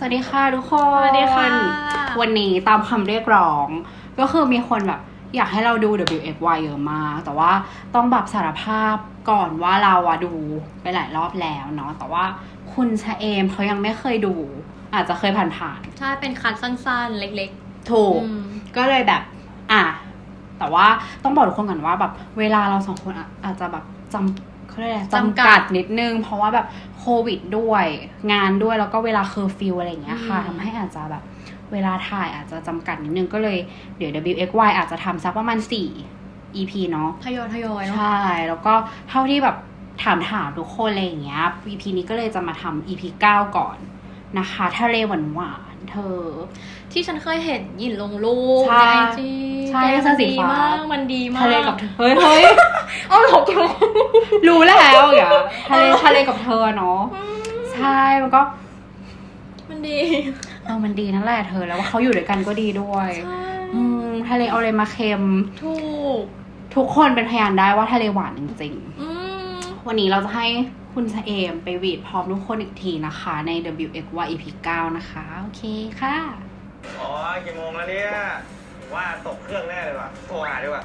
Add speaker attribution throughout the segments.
Speaker 1: วัสดีค่ะทุกคน
Speaker 2: สวัสดีค่ะ
Speaker 1: วันนี้ตามคำเรียกร้องก็คือมีคนแบบอยากให้เราดู WXY เยอะมากแต่ว่าต้องแบบสารภาพก่อนว่าเราดูไปหลายรอบแล้วเนาะแต่ว่าคุณชะเอมเขายังไม่เคยดู อาจจะเคยผ่าน
Speaker 2: ใช่เป็นคัดสั้นๆเล็ก
Speaker 1: ๆถูกก็เลยแบบแต่ว่าต้องบอกทุกคนก่อนว่าแบบเวลาเราสองคนอาจจะแบบเขาเรียกอะไรจำกัดนิดนึงเพราะว่าแบบโควิดด้วยงานด้วยแล้วก็เวลาเคอร์ฟิวอะไรอย่างเงี้ยค่ะทำให้อาจจะแบบเวลาถ่ายอาจจะจำกัดนิดนึงก็เลยเดี๋ยว WXY อาจจะทำสักประมาณ4 EP เนาะ
Speaker 2: ทยอยเนาะ
Speaker 1: ใช่แล้วก็เท่าที่แบบถามทุกคนอะไรอย่างเงี้ย EP นี้ก็เลยจะมาทำ EP 9 ก่อนนะคะทะเลหวานเธอ
Speaker 2: ที่ฉันเคยเห็นหยินลงรูปใน IG
Speaker 1: ใช่มันดีมาก
Speaker 2: มันดีมาก
Speaker 1: ทะเลกับเฮ้ย
Speaker 2: เอาหลบ
Speaker 1: รู้แล้วอย่าทะเลกับเธอเนาะใช่มันก็
Speaker 2: มันดี
Speaker 1: มันดีนั่นแหละเธอแล้วว่าเขาอยู่ด้วยกันก็ดีด้วยทะเลเอาอะไรมาเค็มทุกคนเป็นพยานได้ว่าทะเลหวานจริงๆวันนี้เราจะให้คุณชะเอมไปวีดพร้อมทุกคนอีกทีนะคะใน WXY EP 9 นะคะโอเคค่ะ
Speaker 3: อ๋อกี่โมงแล้วเนี่ยว่าตกเครื่องแน่เลยว่ะโทรหาดีกว่า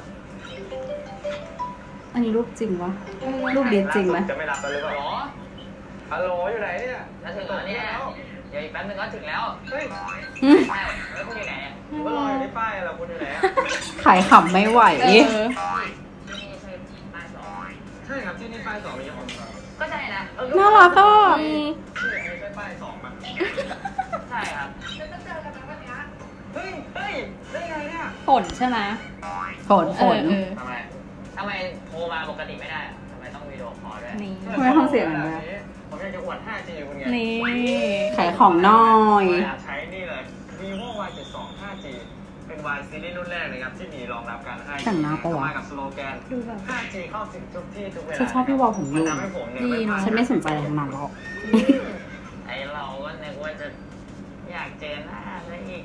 Speaker 1: อันนี้รูปจริงวะรูปดีจริงไหม
Speaker 3: จะไม่รับกันหรือเปล่าฮัลโหลอยู่ไหนเนี่ย
Speaker 4: จะถึงแล้วเนี่ยเดี๋ยวอีกแป๊บนึงก็ถึงแล้ว
Speaker 3: เฮ้ย
Speaker 4: ใช่แล้วคุณอยู่ไหน
Speaker 3: ว่ารออยู่ที่ป้ายแล้วคุณอยู่ไหน
Speaker 1: ขายขำไม่ไหว
Speaker 4: ที่นี่ใช่ป้าย2
Speaker 3: ใช่ครับที่นี่ป้าย2มีของ
Speaker 4: ก็ใช่นะ
Speaker 1: น่ารักก็
Speaker 3: นี่ใช่ป้าย2ป่ะ
Speaker 4: ใช่ครับ
Speaker 3: จะเจอกันวันนี้เฮ้ยได้ไงเนี่ย
Speaker 2: ฝนใช่ไหม
Speaker 1: ฝน
Speaker 4: ทำไมโทรมาปกติไม่ได้ทำไมต้องวิดีโอคอลด้วย
Speaker 1: ทำไมต้องเสียงแบบนี้
Speaker 3: ผมอยากจะอวด 5G คุณไง
Speaker 2: นี่
Speaker 1: ขายของน้อย
Speaker 3: ใช้นี่เลย vivo Y72 5G เป็น Y ซีรีส์รุ่นแรกเลยครับที่มีรองรับการ 5G
Speaker 1: แต่งหน้าปะวะ
Speaker 3: มากับสโลแกน 5G เข้าถึงทุกที่ทุกเวลา
Speaker 1: ฉันชอบพี่วอลผมอยู่
Speaker 3: ดีเนาะ
Speaker 1: ฉันไม่สนใจอะไรทั้งนั้นหรอก
Speaker 4: ไอเราก็นึกว่าจะอยากเจอหน้าซะอีก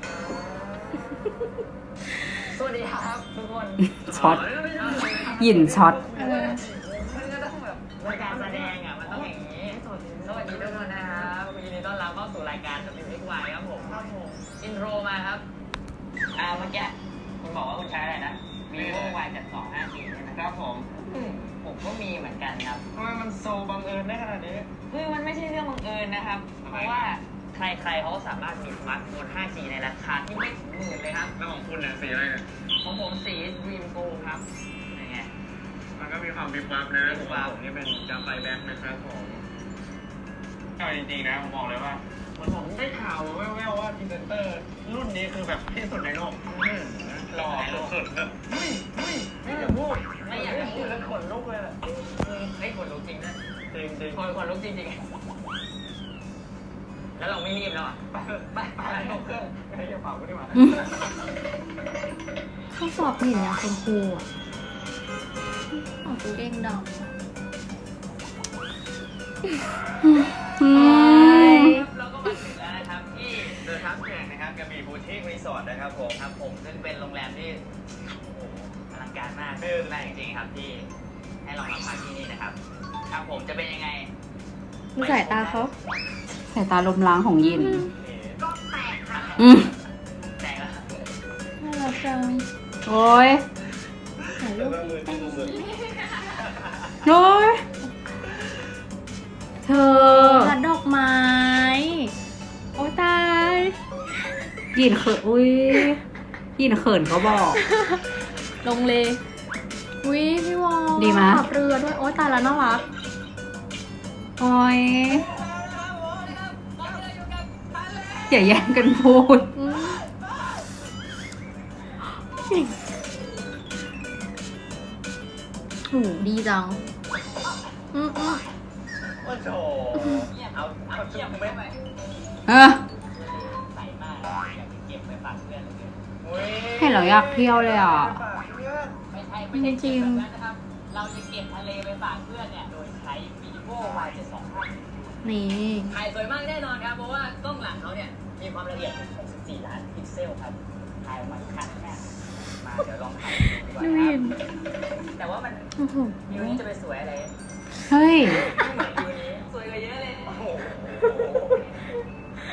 Speaker 4: สวัสดีครับทุกคน
Speaker 1: ช็อตหยินช็อต
Speaker 4: มันก็ต้องแบบการแสดงมันต้องอย่างนี้สวัสดีทุกคนนะครับยินดีต้อนรับเข้าสู่รายการ WXY ครับผมอินโทรมาครับเมื่อกี้คุณบอกว่าคุณใช้อะไรนะ vivo Y72 5G ใช่ไหม
Speaker 3: ครับผม
Speaker 4: ก็มีเหมือนกันครับ
Speaker 3: ทำไมมันโซบังเอิญได้ขนาดนี้
Speaker 4: มันไม่ใช่เรื่องบังเอิญนะครับเพราะว่าใครๆเขาสามารถมีสมาร์ทโฟน 5G ในราคาที่ไม่ถึง10,000เลยครับ
Speaker 3: แล้วของคุณเนี่ยสีอะไรเนี่ย
Speaker 4: ของผมสี Dream Go ครับยังไง
Speaker 3: มันก็มีความวิบวับนะผมว่าผมนี่เป็นกาไฟแบ็คนะครับผมเอาจริงๆนะผมบอกเลยว่าเหมือนผมได้ข่าวแว่วๆว่าพรีเซนเตอร์รุ่นนี้คือแบบที่สุดในโลกหล่อสุดๆแบบไม่อยากพูด
Speaker 4: ไม่อยากพูด
Speaker 3: แล้วขนลุกเลยแหละ
Speaker 4: ขนลุกจริงนะ
Speaker 3: จริง
Speaker 4: ขนลุกจริงแล้วเราไม่รีบแล้ว
Speaker 3: ไปลงเครื่องให้กระเป๋ากูดีกว่า
Speaker 2: ข้อสอบเห็นอย่างคุณครูเก่งดำ
Speaker 4: เราก็มาถึงแล้วนะครับที่
Speaker 3: เดินทางแข่งนะครับกระบี่บูทิกรีสอร์ทนะครับผม
Speaker 4: ซึ่งเป็นโรงแรมที่อลังการมากมากจริงๆครับที่ให้เรามาพักที่นี่นะครับครับผมจะเป็นยังไง
Speaker 2: ดูสายตาเขา
Speaker 1: สายตาลมล้างของยิน
Speaker 4: ก็แตกค่ะแตกแล้ว
Speaker 2: น่ารักจัง
Speaker 1: โอ้ย
Speaker 2: ถ่ายรูป
Speaker 1: โอ้ยเธอ
Speaker 2: พัดดอกไม้โอ้ตาย
Speaker 1: ยินเขินยินเขินเขาบอก
Speaker 2: ลงเลยพี่วอล
Speaker 1: ดีไหม
Speaker 2: ขับเรือด้วยโอ้ตายแล้วน่ารัก
Speaker 1: โอ้ยอย่าแย่งกันพูด
Speaker 2: ดีจัง
Speaker 3: ว่าโถเอาเทียบไปไหม
Speaker 4: ใส่มากอยากเก็บไปฝากเพื่อน
Speaker 1: เห็นเราอยากเที่ยวเลย
Speaker 4: ไม่ใช่จริงนะครับเราจะเก็บทะเลไปฝากเพื่อนเนี่ยโดยใช้ vivo Y72
Speaker 2: นี่
Speaker 4: ถ่ายสวยมากแน่นอนครับเพราะว่ากล้องหลังเขาเนี่ยมีความละเอียดถึง64 ล้านพิกเซลครับถ่ายออกมาคัดแน่มาเดี๋ยวลองถ่ายดูดีกว่าครับแต่ว่ามันวิวนี้จะไปสวยอะไร
Speaker 1: เฮ้ย
Speaker 4: ไม่เหมือนวิวนี้สวยกว่าเยอะเลย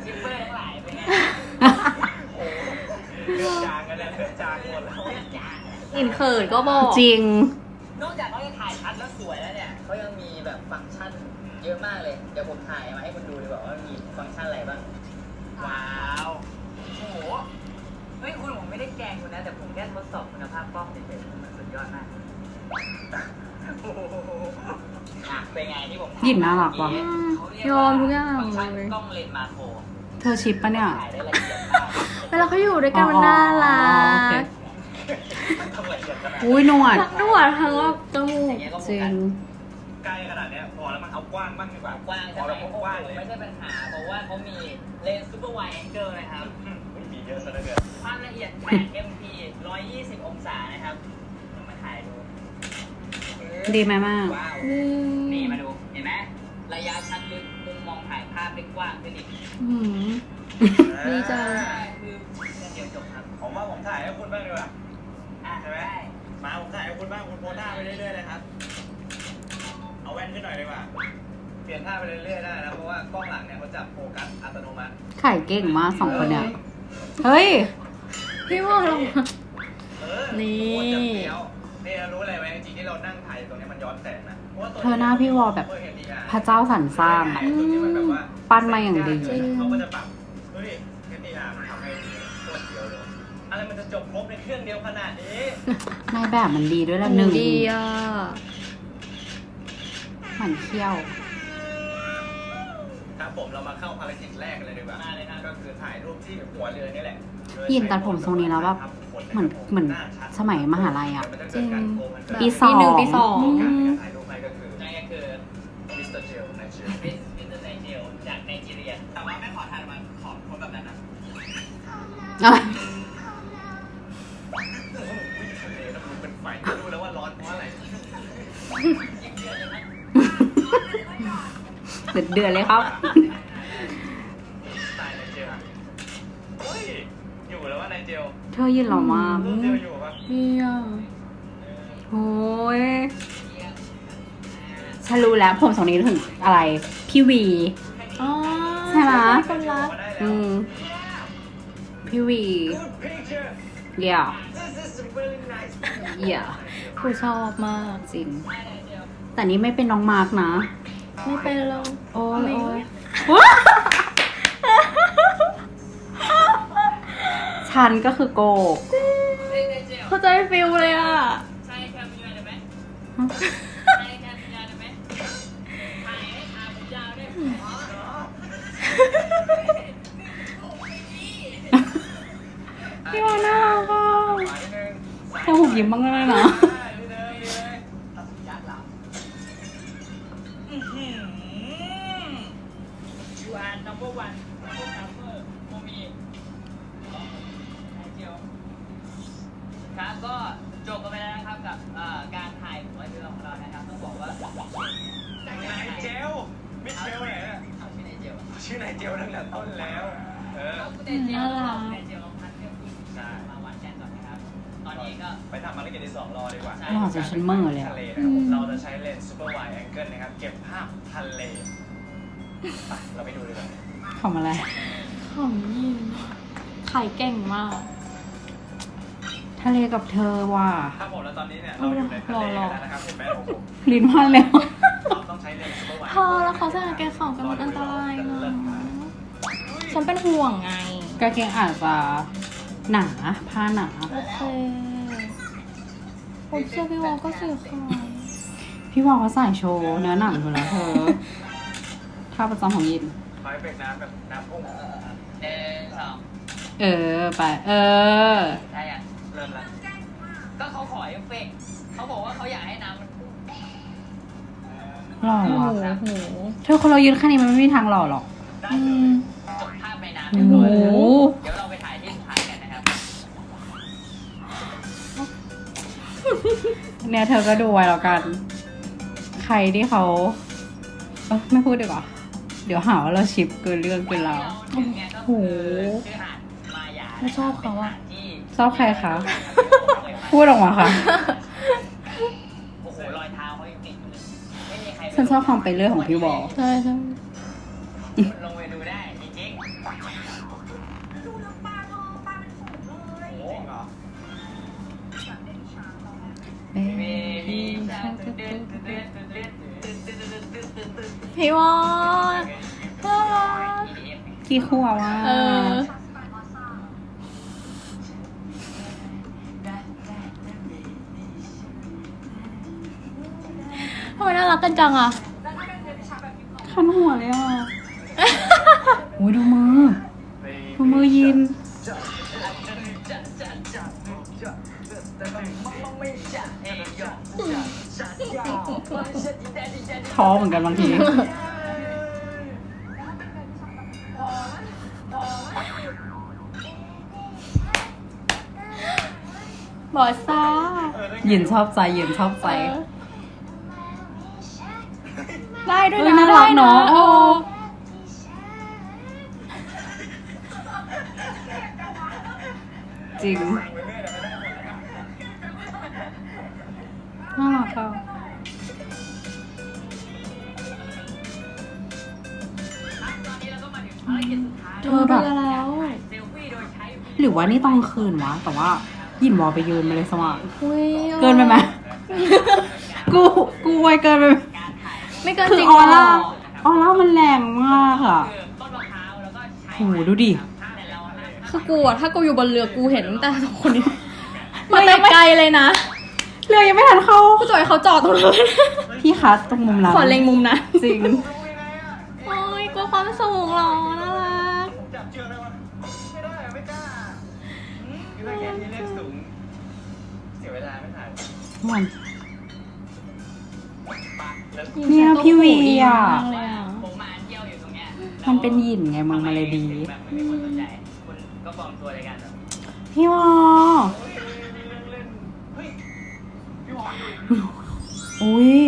Speaker 4: กิปเปอร์ทั้งหลายเป็นไง
Speaker 3: โอ้โหเลือดจางกันแล้วเลือดจางหมดแล้ว
Speaker 2: อินเขินก็บอก
Speaker 1: จริง
Speaker 4: นอกจากเขาจะถ่ายชัดแล้วสวยแล้วเนี่ยเขายังมีแบบฟังก์ชันเยอะมากเลย เดี๋ยวผมถ่ายมาให้คุณดูดีกว่าว่ามีฟังก์ชันอะไรบ้าง ว้าว โอ้โห เฮ้ยคุณผมไม่ได้แกล้งคุณนะ แต่ผมแค่ทดสอบคุณภาพกล้องเฉยๆมันสุดยอดมากโอ้โหอ่ะเป็นไงที่ผมถ่
Speaker 1: หยินน่ารักว่ะ
Speaker 4: เขาเรี
Speaker 2: ยอมทุกอย่าง
Speaker 4: ฟังก์ชัน
Speaker 2: เลย
Speaker 4: กล้องเลนส์มาโคร
Speaker 1: เธอชิปปะเนี่ย
Speaker 4: ถ่ายได้ละเอียดมาก
Speaker 2: เวลาเขาอยู่ด้วยกันมันน่ารั
Speaker 1: อ๋อโอเค
Speaker 2: ก
Speaker 3: ต้องละเอียดขนาด
Speaker 1: อุ้ยหนวด
Speaker 2: ทั้งหนวดทั้งว่าจมู
Speaker 4: อก ย่างเงี้ยก็โฟ
Speaker 1: จริ
Speaker 4: กั
Speaker 1: ง
Speaker 4: ส
Speaker 3: ใกล้ขนาดเนี้ยพอแล้วมันเอากว้างบ้างดีกว่าก
Speaker 4: ว้าง
Speaker 3: พ
Speaker 4: ใช่
Speaker 3: อ
Speaker 4: ไหม
Speaker 3: แล้ว
Speaker 4: โอ้โห
Speaker 3: กว้างเลย
Speaker 4: ไม่ใช่ปัญหา เพราะว่าเขามีเลนส์ซูเปอร์ไวด์แองเกิลนะครับ
Speaker 3: ไม่มีเยอะซะเหลือเกิน
Speaker 4: ความละเอียด 8 MP 120 องศานะครับลองมาถ่ายดู
Speaker 1: ดีไหมมาก
Speaker 4: ว้าว นี่มาดู เห็นไหมระยะชัดลึกมุมมองถ่ายภาพได้กว้างขึ้นอีก
Speaker 1: อืม
Speaker 2: ดีจัง
Speaker 4: คือเดียวจบครับ
Speaker 3: ผมว่าผมถ่ายให้คุณบ้างดีกว่า
Speaker 4: อ่ะ
Speaker 3: ใช่ไหม มาผมถ่ายให้คุณบ้างคุณโพสท่าไปเรื่อยๆเลยครับ เอาแว่นขึ้นหน่อยดีกว่า เปลี่ยนท่าไปเรื่อยๆได้นะเพราะว่ากล้องหลังเนี่ยเขาจับโฟกัสอัตโนมัติ
Speaker 1: ขายเก่งมากสองคนเนี่ย เฮ้ย
Speaker 2: พี่ว่าเรา นี่
Speaker 3: โคตรจะเฟี้ยวนี่รู้อะไรไหมจริงๆที่เรานั่งถ่ายตรงนี้มันย้อนแสงนะพระว่ตัว
Speaker 1: เธอหน้าพี่วอลแบบ พระเจ้าสรรสร้างอะ ปั้นมาอย่างดี
Speaker 3: เขาก็จะปรับเฮ้ยแค่นี้อ่ะมันทำให้ตัวเดียวเลยอะไรมันจะจบครบในเครื่องเดียวขนาดนี้
Speaker 1: นายแบบมันดีด้วยละหนึ่ง
Speaker 2: ดีอ่ะ
Speaker 1: หมันเขี้ยว
Speaker 3: ครับผมเรามาเข้าภารกิจแรกกันเลยดีกว่ามาเลยนะก็คือถ่ายรูปที่หัวเรือนี่แหละ
Speaker 1: ยินตัดผมทรงนี้แล้วแบบเหมือนสมัยมหาลัยอะ
Speaker 2: จริง
Speaker 1: ปีสอง
Speaker 2: ปีหนึ่งปีสอง
Speaker 3: ถ่ายรูปไปก็คือ
Speaker 4: นั่นก็คือ
Speaker 3: มิสเตอร์เจลในชื่อ
Speaker 4: มิสเตอร์ไนเจลจากไนจีเรีย แต่ว่าไม่ขอถ่ายมาขอคนแบบนั้นนะ
Speaker 1: อะไร
Speaker 3: ทะเลน้ำรู้เป็นไฟรู้แล้วว่าร้อนเพราะอะไร
Speaker 4: ยิ่งเดือดเลยนะ
Speaker 1: เดือดเลยครับ
Speaker 3: ตายในเจลเฮ้ยอยู่แล้วว่าในเจล
Speaker 1: เธอยืนหล่อมาก
Speaker 3: รูปเจลอยู่ปะ
Speaker 2: ดีอ่ะ
Speaker 1: โอ้ยฉันรู้แล้วผมทรงนี้ถึงอะไร พี่วี
Speaker 2: อ๋อ
Speaker 1: ใช่ไหม
Speaker 2: คนรัก
Speaker 1: อืม พี่วี
Speaker 3: Good picture
Speaker 1: yeah
Speaker 3: This is a really nice
Speaker 1: yeah
Speaker 2: ผู้ชอบมาก
Speaker 1: จริง แต่นี่ไม่เป็นน้องมาร์กนะ
Speaker 2: ไม่เป็นเรา
Speaker 1: โอ้ย
Speaker 2: ไม่
Speaker 1: โอ้ยฉันก็คือโก
Speaker 2: เข้าใจฟิลเลยอ่ะ
Speaker 4: ใช่แคมป์ยาวได้ไหมใช่แคมป์ยาวได้ไหมถ่ายให้ถ่ายผมยาวได้ไหม
Speaker 1: พี่ว่าน่ารักอ่ะ
Speaker 3: สายนิดนึง
Speaker 1: แค่หุบยิ้มบ้างก็ได้นะ
Speaker 3: ดีเลยดีเลย
Speaker 4: ยัดหลังยูอาร์ number one number โมมีเดียวครับก็จบกันไปแล้วนะครับกับการถ่ายหัวเรือของเรานะครับต้องบอกว่า
Speaker 3: นายเจลมิเชลเนี่ย
Speaker 4: เอาชื่อนายเจล
Speaker 3: ชื่อนายเจลตั้งแต่ต้นแล้ว
Speaker 4: เอาคุณนายเจลนายเจลลองพัดเครื่องบินมาวัดกันก่อนนะครับ ตอนนี้ก็
Speaker 3: ไปทำภารกิจที่2รอดีกว่า
Speaker 1: หล่อจนฉันเมื่อเลยอะ
Speaker 3: ทะเลนะครับผมเราจะใช้เลนส์ซูเปอร์ไวด์แองเกิลนะครับ เก็บภาพทะเลไปเราไปดูดีกว่า
Speaker 1: ทำอะไร
Speaker 2: ของยินขายเก่งมาก
Speaker 1: ทะเลกับเธอว่ะ
Speaker 3: ครับผมแล้วตอนนี้เนี่ยเราอยู่ในทะเลกันแล้วนะครับเห็นไหมโอ้โห
Speaker 1: ลิ้นพันแล้ว
Speaker 3: เราต้องใช้เลนส์ซูเปอร์ไวด์
Speaker 2: พอแล้วเขาใส่กางเกงขาวกันมันอันตรายนะฉันเป็นห่วงไง
Speaker 1: กางเกงอาจจะหนาผ้าหนา
Speaker 2: โอเคผมเชื่อพี่วอลก็สื่อค่ะ
Speaker 1: พี่วอลเขาใส่โชว์เนื้อหนังอยู่แล้วเธอท่าประจำของยิน
Speaker 3: ขอให้เป็นน้ำแบบน้ำพุ่ง
Speaker 4: สอง
Speaker 1: เออ ไป เออ
Speaker 4: ได้ยัง
Speaker 3: เริ่มแล้ว
Speaker 4: ก็เขาขอเอฟเฟกต์เขาบอกว่าเขาอยากให้น้ำมันพุ่ง
Speaker 1: หล่อ
Speaker 2: โอ้
Speaker 1: ว่ะ
Speaker 2: โห
Speaker 1: เธอคนเรายืนแค่นี้มันไม่มีทางหล่อหรอก
Speaker 3: ได้
Speaker 2: อื
Speaker 3: เลย
Speaker 2: ม
Speaker 4: จบภาพในน้ำ
Speaker 1: โอ้
Speaker 4: เรียบ
Speaker 1: โห
Speaker 4: ร้อยแล้วเดี๋ยวเราไปถ่ายที่สุดท้ายกันนะครับ
Speaker 1: เนี่ยเธอก็ดูไว้แล้วกัน ใครที่เขาไม่พูดดีกว่า เดี๋ยวหาว่าเราชิปเกินเรื่องเกินราว
Speaker 4: ที่เราถึงเนี่ยก็คือชื่อหาดมายา
Speaker 2: ไม่ชอบเขาอะ
Speaker 4: ที่
Speaker 1: ชอบใครคะ พูดออกมาค่ะ
Speaker 4: โอ้โหรอยเท้าเขายังติดอยู่เลยไม่มีใคร
Speaker 1: ฉันชอบความไปเรื่อยของพี่วอล
Speaker 2: ใช่ใช่
Speaker 4: ลงไปดูได้จริงๆ
Speaker 2: พี่วอนน่ารัก
Speaker 1: กี่ขวบว่ะ
Speaker 2: เออทำไมน่ารักกันจังอ่ะ
Speaker 1: คันหัวเลยอ่ะ โอ้ยดูมือ ดูมือยิน ท้อเหมือนกันบางที
Speaker 2: บอซ่า
Speaker 1: หยินชอบใจหยินชอบใจ
Speaker 2: เออได้ด้วย
Speaker 1: เอ้ย
Speaker 2: นะ
Speaker 1: น่ารักเนอะ
Speaker 2: ได้
Speaker 1: จริง น่ารักอ่ะ
Speaker 2: เธอแบบแล้ว
Speaker 1: หรือว่านี่ต้องคืนวะ แต่ว่าหยินวอลไปยืนมาเลยสว่าง
Speaker 2: อุ๊ย
Speaker 1: เกินไปไหม กูไวเกินไปไหม
Speaker 2: ไม่เกิน
Speaker 1: คือ
Speaker 2: จริง
Speaker 1: ออ
Speaker 2: หร
Speaker 1: ร่า
Speaker 2: อ
Speaker 1: ออร่ามันแรงมากอ่ะ
Speaker 4: ต้นมะพร้าวแล้วก็ใช้
Speaker 1: โหดูดิ
Speaker 4: แต่เราห้าม
Speaker 2: คือกูอะถ้ากูอยู่บนเรือกูเห็นตั้งแต่สองคนนี้มาแต่ไกลเลยนะ
Speaker 1: เรือยังไม่ทันเข้า
Speaker 2: กูจะให้เขาจอดตรงนั้น
Speaker 1: พี่คะตรงมุมหลัง
Speaker 2: ขอเล็งมุมนะ
Speaker 1: จริง
Speaker 2: โอ้ยกลัวความสูงหรอน่ารัก
Speaker 3: จับเชือกได้ปะไม่ได้อะไม่กล้าคือถ้าแกที่เล่นสูง เสียเวลาไม่ถ่าย
Speaker 1: มัน
Speaker 3: ปะแล้ว
Speaker 1: เนี่ยพี่วีอ่ะ
Speaker 2: มากเลยอ่ะ
Speaker 4: ผมมาเที่ยวอยู่ตรงเนี้ย
Speaker 1: มันเป็นหยินไงมึงมาเลยดี
Speaker 4: แบบไม่มีคนสนใจ คุณก็ปลอมตัวในการแบบ
Speaker 1: พี่วอ
Speaker 3: เฮ้ยพี่วอนดู
Speaker 1: อุ้ย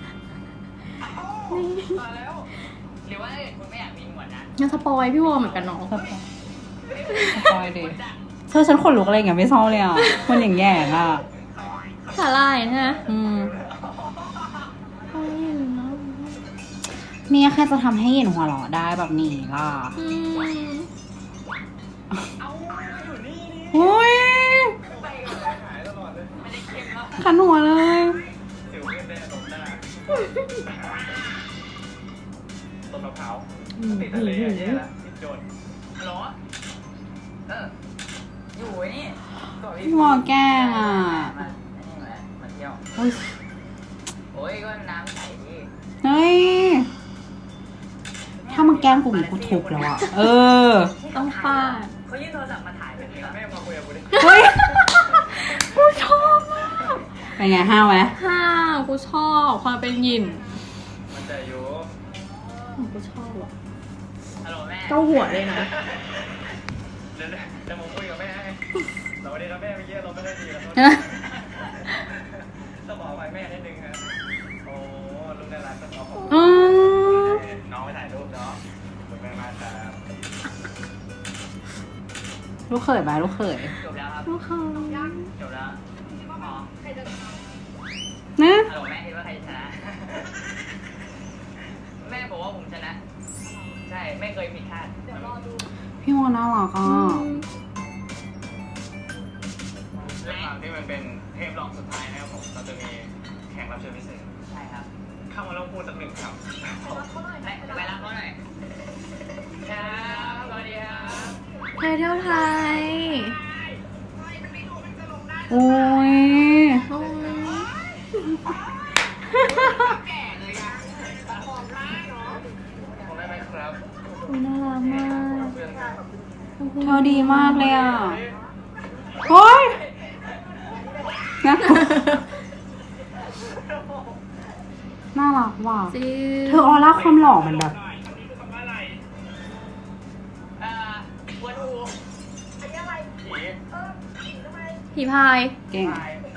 Speaker 3: มาแล้ว
Speaker 4: หรือว่าถ้าเกิดคุณไม่อยากมีหนวดนะ
Speaker 2: ยังสปอยพี่วอลเหมือนกันเนาะ
Speaker 1: สปอยดิเธอฉันขนลุกอะไรอย่างเงี้ยไม่ชอบเลยอ่ะ มันอย่างแย่งอ่ะ
Speaker 2: สาลายใช่ไหม
Speaker 1: อืม
Speaker 2: โอ้ยเนอะ
Speaker 1: เนี่ยแค่จะทำให้หยินหัวเราะได้แบบนี้ล่ะ
Speaker 2: อืม
Speaker 3: เอาอยู่นี่นี่
Speaker 1: อุ้ย
Speaker 3: ไปหายตลอดเลย
Speaker 4: ไม่ได้เข้มแล้ว
Speaker 1: ขันหัวเลย
Speaker 3: สิวขึ้นได้ตรงหน้าต้นมะพร้าวติดทะเลอะแย่ละติดโจร
Speaker 4: ฮัลโหลอยู่ไอ้นี่ก่อน
Speaker 1: พี่วอแกล้งอ่ะ
Speaker 4: มาเที่ยว
Speaker 1: อุ้ย
Speaker 4: โอ้ยก็น้ำใสดิ
Speaker 1: เฮ้ย ถ้ามึงแกล้งกูอีกกูทุบแล้วอ่ะ เออ
Speaker 2: ต้องฟาด
Speaker 4: เขายื่นโทรศัพท์มาถ่ายแบบนี้เหรอ
Speaker 3: แม่มาคุยกับกูดิ
Speaker 1: เฮ้ย กูชอบมาก เป็นไงห้าวไหม
Speaker 2: ห้าวกูชอบความเป็นหยิน
Speaker 3: มันจะอยู่
Speaker 2: กูชอบอ่ะ
Speaker 4: ฮัลโหลแม่
Speaker 2: เก้าหัวเลยนะ
Speaker 3: เดี๋ยวผมคุยกับแม่ให้สวัสดีครับแม่เมื่อกี้เราไม่ได้ดีแล้วต้องบอกไปแม่นิดนึงครับโอ้ลูกน่ารักต้องขอขอบคุณ
Speaker 1: อืม
Speaker 3: น้องไปถ่ายรูปเนาะขอบคุณแม่มากครับ
Speaker 1: ลูกเขยไหมลูกเขย
Speaker 4: จบแล้วครับ
Speaker 2: ลูกเขา
Speaker 4: จบแล้วอ๋อ
Speaker 1: นะ
Speaker 4: ฮัลโหลแม่คิดว่าใครชนะ แม่บอกว่าผมชนะ ใช่ไม่เคยผิดคาด
Speaker 1: พี่วอน่ารักอ่ะ
Speaker 3: ด้วยความที่มันเป็นเทปรองสุดท้ายนะครับผมเราจะมีแขกรับเชิญพิเศษ
Speaker 4: ใช่ครับ
Speaker 3: เข้ามาลองพูดสักหนึ่งคำ
Speaker 4: ไปรับเขาหน่อยครับสวัสดีครับ
Speaker 2: ไทยเที่ยวไทย
Speaker 1: โอ้ย
Speaker 2: โอ้ย
Speaker 3: ผมได้ไหมครับ
Speaker 2: อุ๊ยน่ารักมาก
Speaker 3: เพื่อนครับ
Speaker 1: เธอดีมากเลยอ่ะโอ้ยนะน่ารักว่ะ
Speaker 2: จริง
Speaker 1: เธอออร่าความหล่อมันแบบ
Speaker 4: วัวทู
Speaker 2: ผีพาย
Speaker 1: เก่ง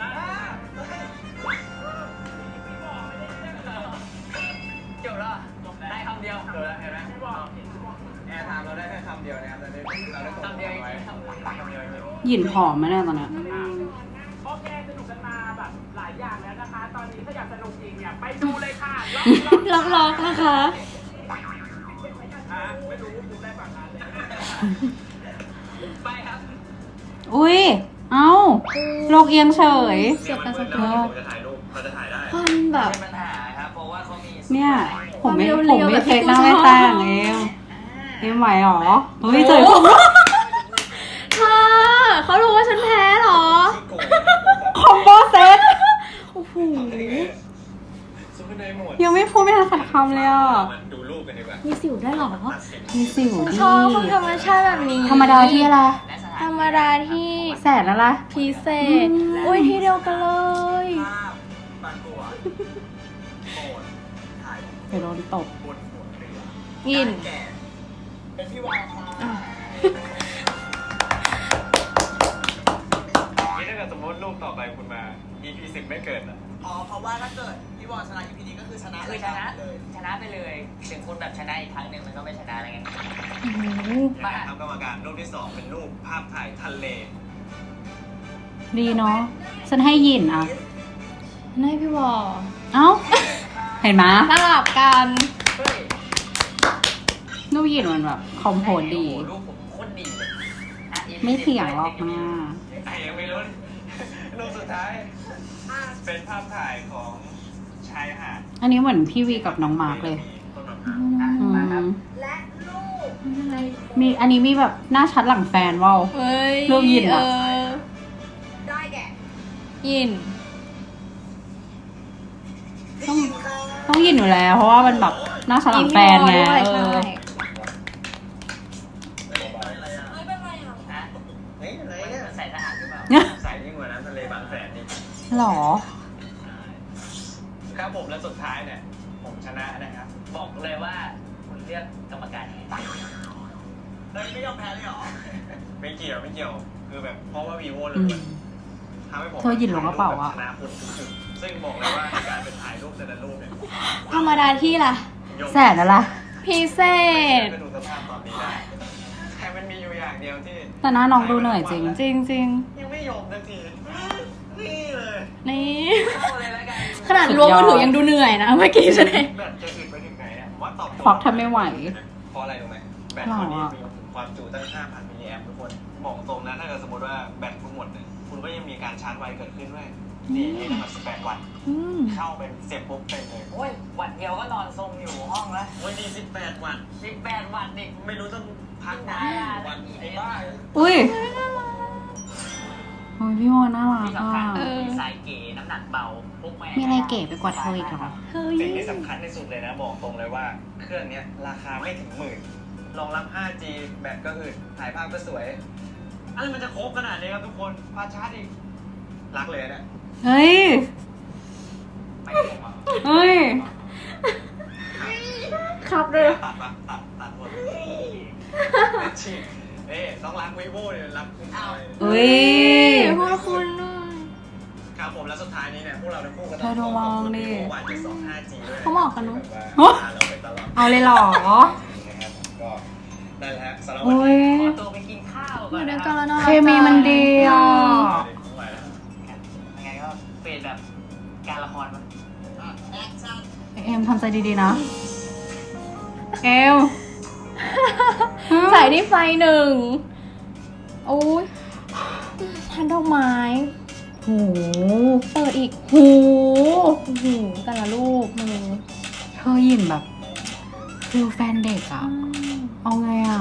Speaker 4: จบแล้วได้คำเดียว
Speaker 3: เจอแล้วเห็นไหมแอร์ไทม์เราได้แค่คำเดียวนะครับเราได้ส่ง
Speaker 4: คำเดียว
Speaker 3: ไว้
Speaker 4: คำเดียว
Speaker 3: คำเดียวจริง
Speaker 1: หยินผอมไหมเนี่ยตอนเนี้ย
Speaker 5: โอเคสนุกกันมาแบบหลายอย่างแล้วนะคะ ตอนนี้ถ้าอยากสนุกจริงเนี่ยไปดูเลยค่ะล็อก
Speaker 2: ล็อกๆนะคะ
Speaker 5: ไม่รู้ดูได้ฝั่งนั้นเลย
Speaker 4: ไปครับ
Speaker 1: อุ้ย เอ้าโลกเอียงเฉย
Speaker 2: เสียบตาสะ
Speaker 3: แล้ว
Speaker 2: ท้อน
Speaker 3: ผมจะถ่ายรูปเขาจะถ่ายได้
Speaker 2: ควันแบบ
Speaker 4: เป็นปัญหาครับเพราะว่าเขามี
Speaker 1: เนี่ยผมไม่
Speaker 2: ความ
Speaker 1: ผ
Speaker 2: เร็
Speaker 1: ม
Speaker 2: วๆ
Speaker 1: ไม่
Speaker 2: แบบที่
Speaker 1: เช็ค
Speaker 2: กู
Speaker 1: หน้า
Speaker 2: ชอบ
Speaker 1: ไม่แต่งเอ็มไหวหรอเฮ้ยเจอผม
Speaker 2: เธอเขารู้ว่าฉันแพ้เหรอ
Speaker 1: คอมโบเซต
Speaker 2: โอ้โห
Speaker 3: ซุปเปอร์ไนท์หมด
Speaker 1: ยังไม่พูดไม่ทันสัดคำเลยอ่ะ
Speaker 3: มันดูรูปกันดีกว่า
Speaker 2: มีสิวได้เหรอ
Speaker 3: ตัดสิน
Speaker 1: มีสิว
Speaker 2: ฉัน
Speaker 1: ดี
Speaker 2: ชอบคนธรรมชาติแบบนี้
Speaker 1: ธรรมดาที่อะไร
Speaker 4: และสถา
Speaker 2: ธร
Speaker 4: น
Speaker 2: รมดาที่
Speaker 1: แสนอะไร
Speaker 2: พิเศษ อุ้ยที่เดียวกันเลย
Speaker 3: ภาพบางตัวโกรธถ่าย
Speaker 1: เดี๋ยวโดนตบ
Speaker 3: บนหัวเรือ
Speaker 2: ยิน
Speaker 3: แก่เป็นพี่วาวค่ะนี่ถ้าเกิดสมมติรูปต่อไปคุณมา EP 10ไม่เกิดอ่ะ
Speaker 6: อ๋อ เพราะว่าถ้าเกิดพี่วอลชนะ EP นี้ก็คือชนะ
Speaker 4: คือชนะ
Speaker 6: เลย
Speaker 4: ชนะไปเลยถึงคุณแบบชนะอีกครั้งหนึ่งมันก็ไม่ชนะอะไรเงี้ย
Speaker 3: ทำกรรมการรูปที่ 2 เป็นรูปภาพถ่ายทะเล
Speaker 1: ดีเนาะฉันให้ยินอ่ะ
Speaker 2: ให้พี่วอ
Speaker 1: เอ้า เห็นไหม
Speaker 2: สลับกัน
Speaker 4: เฮ้ย
Speaker 1: รูปยินมันแบบคอมโพสดี
Speaker 4: โอ้โหรูปผมโคตรดีเลยอ่ะ
Speaker 1: ไม่เถียงหรอกนะ
Speaker 3: ไอ้ยังไม่รู้รูปสุดท้าย เป็นภาพถ่ายของชายหาด
Speaker 1: อันนี้เหมือนพี่วีกับน้องมาร์กเลย
Speaker 3: ต้นมะพร้าว
Speaker 1: อื
Speaker 4: มาครับ
Speaker 1: มมีอันนี้มีแบบหน้าชัดหลังแฟนว่าว
Speaker 2: เฮ้ย
Speaker 1: รูปยินอะ
Speaker 6: ได้แก่
Speaker 2: ยิน
Speaker 1: ต้องยินอยู่แล้ว เพราะว่ามันแบบหน้าชัดหลังแฟนไง
Speaker 2: ยิพี่วอด้วย
Speaker 1: เอ
Speaker 2: ใช่
Speaker 1: อ
Speaker 4: ฮะ
Speaker 3: เฮ้ยอะไร
Speaker 4: มัน
Speaker 3: เนี่ย
Speaker 4: ใส่ทหารหรือเปล่า
Speaker 3: ใส่ยิ่งกว่าน้ำทะเลบางแสนนี่
Speaker 1: หรอ
Speaker 3: ครับผมและสุดท้ายเนี่ย ผมชนะนะครับ
Speaker 4: บอกเลยว่าคุณเลือกกรรมการยังไง
Speaker 6: เฮ้ยไม่ยอมแพ้เลยเหรอ
Speaker 3: ไม่เกี่ยวไม่เกี่ยว คือแบบเพราะว่าวีโวเล
Speaker 1: อื
Speaker 3: ย
Speaker 1: ม
Speaker 3: ทำให้ผม
Speaker 1: เธอหยิบลงกระเป๋าอะ
Speaker 3: ชนะคุณทุกๆซึ่งบอกเลยว่าการเป็นถ่ายรูปแต่ละรูปเนี่ย
Speaker 2: ธรรมดาที่ล่ะ
Speaker 1: แสนอะไร
Speaker 2: พิเศษ
Speaker 3: ก็ดูสภาพตอนนี้ได้แต่มันมีอยู่อย่างเดียวที่
Speaker 1: แต่หน้าน้องดูเหนื่อยจริง
Speaker 2: จริงจริง
Speaker 3: ยังไม่ยอมสักทีนี่เลย
Speaker 2: ๆนี่
Speaker 4: เข้าเลยแล้วกัน
Speaker 2: ขนาดล้วงมือถือยังดูเหนื่อยนะเมื่อกี้ฉันเอง
Speaker 3: แบตจะอึดไปถึงไหนเนี่ยผมว่าตอบโจทย์
Speaker 1: ควักแทบไม่ไหว
Speaker 3: เพราะอะไรรู้ไหมแบตคนนี้มีความจุตั้ง 5,000 มิลลิแอมป์ทุกคนบอกตรงนะถ้าเกิดสมมติว่าแบตคุณหมดเนี่ยคุณก็ยังมีการชาร์จไวเกิดขึ้นด้วยนี่นี่ตั้งแต่18 วัตต์
Speaker 2: อืม
Speaker 3: เข้าเป็นเสียบปุ๊บเต็มเลย
Speaker 4: โอ้ยวันเดียวก็นอนทรงอยู่ห้องแล้ว
Speaker 3: วันนี้18 วัตต์
Speaker 4: 18 วันนี่
Speaker 3: ไม่รู้ต้องพักไหนวันไอ้บ้า
Speaker 1: อุ้ยโอ้ยพี่โมน่ารัก
Speaker 4: ที่
Speaker 1: อ่ะ
Speaker 4: สำคัญดีไซน์เก๋น้ำหนักเบาพกแม่
Speaker 1: มีอะไรเก๋ไปกว่าเธออีกเหรอ
Speaker 2: เฮ้ย
Speaker 3: สิ่งที่สำคัญที่สุดเลยนะบอกตรงเลยว่าเครื่องเนี้ยราคาไม่ถึงหมื่นรองรับ 5G แบตก็อึดถ่ายภาพก็สวยอะไรมันจะครบขนาดนี้ครับทุกคนพาชาร์จอีกรักเลยนะ
Speaker 1: เฮ้ย
Speaker 3: ไม่ผมอ่ะ
Speaker 1: เฮ้ย
Speaker 2: ครับเลย
Speaker 3: ตัดหมดฉีกต้องรักวีโว่เนี่ยรักคุณเอา
Speaker 1: อุ้ย
Speaker 2: พูดคุณหน่อย
Speaker 3: ครับผมแล้วสุดท้ายนี้เนี่ยพวกเราทั้งคู่ก็ต้
Speaker 1: เธอดูมองดิ
Speaker 3: วันจะ2 5G ด้วย
Speaker 2: เขาบอกกันเนอะ
Speaker 3: แบบว่าเราไปตลอด
Speaker 1: เอาเลยเหรอ
Speaker 3: นะครับก็นั่นแหละสำหรับวัน
Speaker 1: อุ้ย
Speaker 3: นี้
Speaker 4: ขอตัวไปกินข้าว
Speaker 2: อ
Speaker 4: ก่อน
Speaker 2: ยู่ด้
Speaker 4: นะ
Speaker 2: วย
Speaker 4: ค
Speaker 2: กั
Speaker 4: รั
Speaker 2: น
Speaker 4: บ
Speaker 2: แล้วน่ารัก
Speaker 1: เคมีมันดีอ่ะ
Speaker 3: ไม่ไหวแล้ว
Speaker 4: ยังไงก็เป็นแบบการละครมั้ง
Speaker 1: เอ็มทำใจดีๆนะ เอ็ม
Speaker 2: ใส่ที่ไฟหนึ่งโอ้ยทันดอกไม้
Speaker 1: โห
Speaker 2: เปิดอีก
Speaker 1: โห
Speaker 2: โอ้โหแต่ละรูปมือ
Speaker 1: เธอยินแบบฟิลแฟนเด็กอ่ะ เอาไงอ่ะ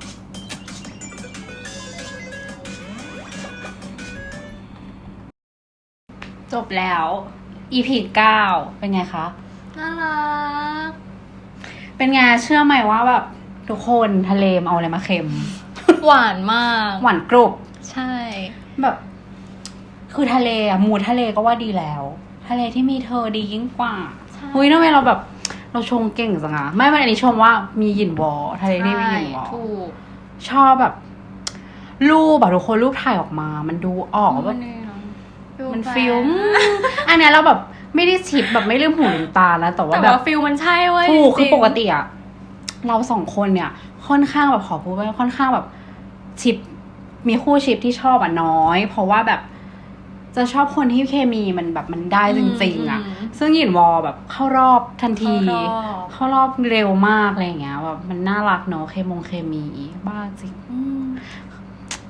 Speaker 1: จบแล้ว EP 9 เป็นไงคะ
Speaker 2: น่ารัก
Speaker 1: เป็นไงเชื่อไหมว่าแบบทุกคนทะเลมเอาอะไรมาเค็ม
Speaker 2: หวานมาก
Speaker 1: หวานกรุบ
Speaker 2: ใช่
Speaker 1: แบบ คือทะเลอะหมูทะเลก็ว่าดีแล้ว ทะเลที่มีเธอดียิ่งกว่า
Speaker 2: ใช่
Speaker 1: เฮ้ยทำไมเราแบบ เราชงเก่งจังอะไม่อันนี้ชมว่ามีหยินวอทะเลที่มีหยินวอ
Speaker 2: ถูก
Speaker 1: ชอบแบบ รูปแบบทุกคนรูปถ่ายออกมา มันดูออกว่าแบบ มันฟิลอันเนี้ยเราแบบไม่ได้ชิปแบบไม่ลืมหูลืมตานะแต่ว่า
Speaker 2: แต่
Speaker 1: แบบ
Speaker 2: ว่าฟิลมันใช่เว้ย
Speaker 1: ถูกคือ
Speaker 2: จริงๆ
Speaker 1: ปกติอะเราสองคนเนี่ย ค่อนข้างแบบขอพูดว่าค่อนข้างแบบชิปมีคู่ชิปที่ชอบอะน้อย เพราะว่าแบบจะชอบคนที่เคมีมันแบบมันได้จริงๆอะซึ่งหยินวอแบบเข้ารอบทันที เข้ารอบเร็วมากอะไรอย่างเงี้ยแบบมันน่ารักเนาะเคมีบ้าจริง
Speaker 2: อืม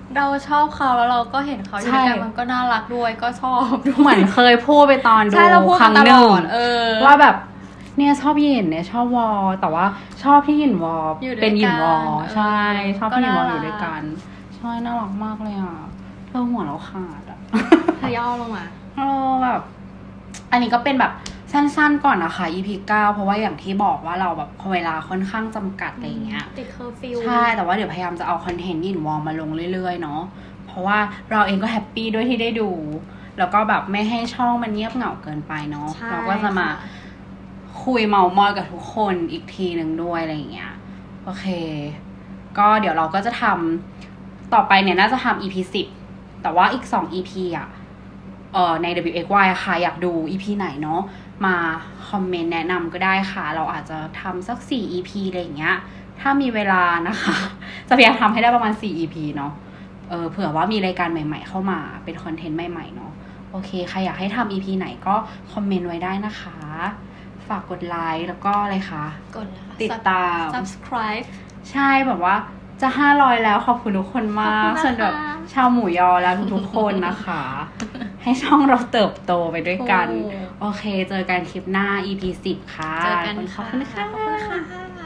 Speaker 2: เราชอบเขาแล้วเราก็เห็นเขาอยู่ด้วยกันมันก็น่ารักด้วยก็ชอบด้วย
Speaker 1: เหมือนเคยพูดไปตอนดู
Speaker 2: ใช่เราพูด
Speaker 1: ครั้ง
Speaker 2: ต
Speaker 1: ห
Speaker 2: ล
Speaker 1: นึ่ง
Speaker 2: อด
Speaker 1: ว่าแบบเนี่ยชอบหยินเนี่ยชอบวอแต่ว่าชอบที่หยินวอ
Speaker 2: อยู่ด้วยกัน
Speaker 1: เป็นหยินวอใช่
Speaker 2: เออ
Speaker 1: ชอบที่หยินวอ
Speaker 2: ก็น่ารัก
Speaker 1: อยู่ด้วยกันใช่น่ารักมากเลยอ่ะเราหัวเราขาดอ่ะ
Speaker 2: เธอย่อลงมา
Speaker 1: แบบอันนี้ก็เป็นแบบสั้นๆก่อนนะคะ EP 9เพราะว่าอย่างที่บอกว่าเราแบบเวลาค่อนข้างจำกัดอะไรเงี้ย
Speaker 2: ติดเคอร์ฟิว
Speaker 1: ใช่แต่ว่าเดี๋ยวพยายามจะเอาคอนเทนต์ยินวอลมาลงเรื่อยๆเนาะเพราะว่าเราเองก็แฮปปี้ด้วยที่ได้ดู แล้วก็แบบไม่ให้ช่องมันเงียบเหงาเกินไปเนาะ
Speaker 2: ใช่
Speaker 1: เราก็จะมา
Speaker 2: ค่ะ
Speaker 1: คุยเมามอยกับทุกคนอีกทีหนึ่งด้วยอะไรอย่างเงี้ยโอเค ก็เดี๋ยวเราก็จะทำต่อไปเนี่ยน่าจะทำ EP 10แต่ว่าอีก2 EP อ่ะใน WXY อะค่ะอยากดู EP ไหนเนาะมาคอมเมนต์แนะนำก็ได้ค่ะ เราอาจจะทำสัก4 EP อะไรอย่างเงี้ยถ้ามีเวลานะคะ จะพยายามทำให้ได้ประมาณ4 EP เนาะเผื่อว่ามีรายการใหม่ๆเข้ามาเป็นคอนเทนต์ใหม่ๆเนาะโอเคใครอยากให้ทำ EP ไหนก็คอมเมนต์ไว้ได้นะคะ ฝากกดไลค์แล้วก็อะไรคะ
Speaker 2: กดเลยค่ะ
Speaker 1: ติดตาม
Speaker 2: subscribe
Speaker 1: ใช่แบบว่าจะ500แล้วขอบคุณทุกคนมาก
Speaker 2: ขอบคุณนะคะ
Speaker 1: ส่วนแบบชาวหมูยอแล้วทุกๆคนนะคะ ให้ช่องเราเติบโตไปด้วยกัน
Speaker 2: โอ้
Speaker 1: โอเค เจอกันคลิปหน้า EP 10 ค่ะ
Speaker 2: เจอกัน
Speaker 1: ขอบคุณค่ะ
Speaker 2: ขอบคุณค่ะ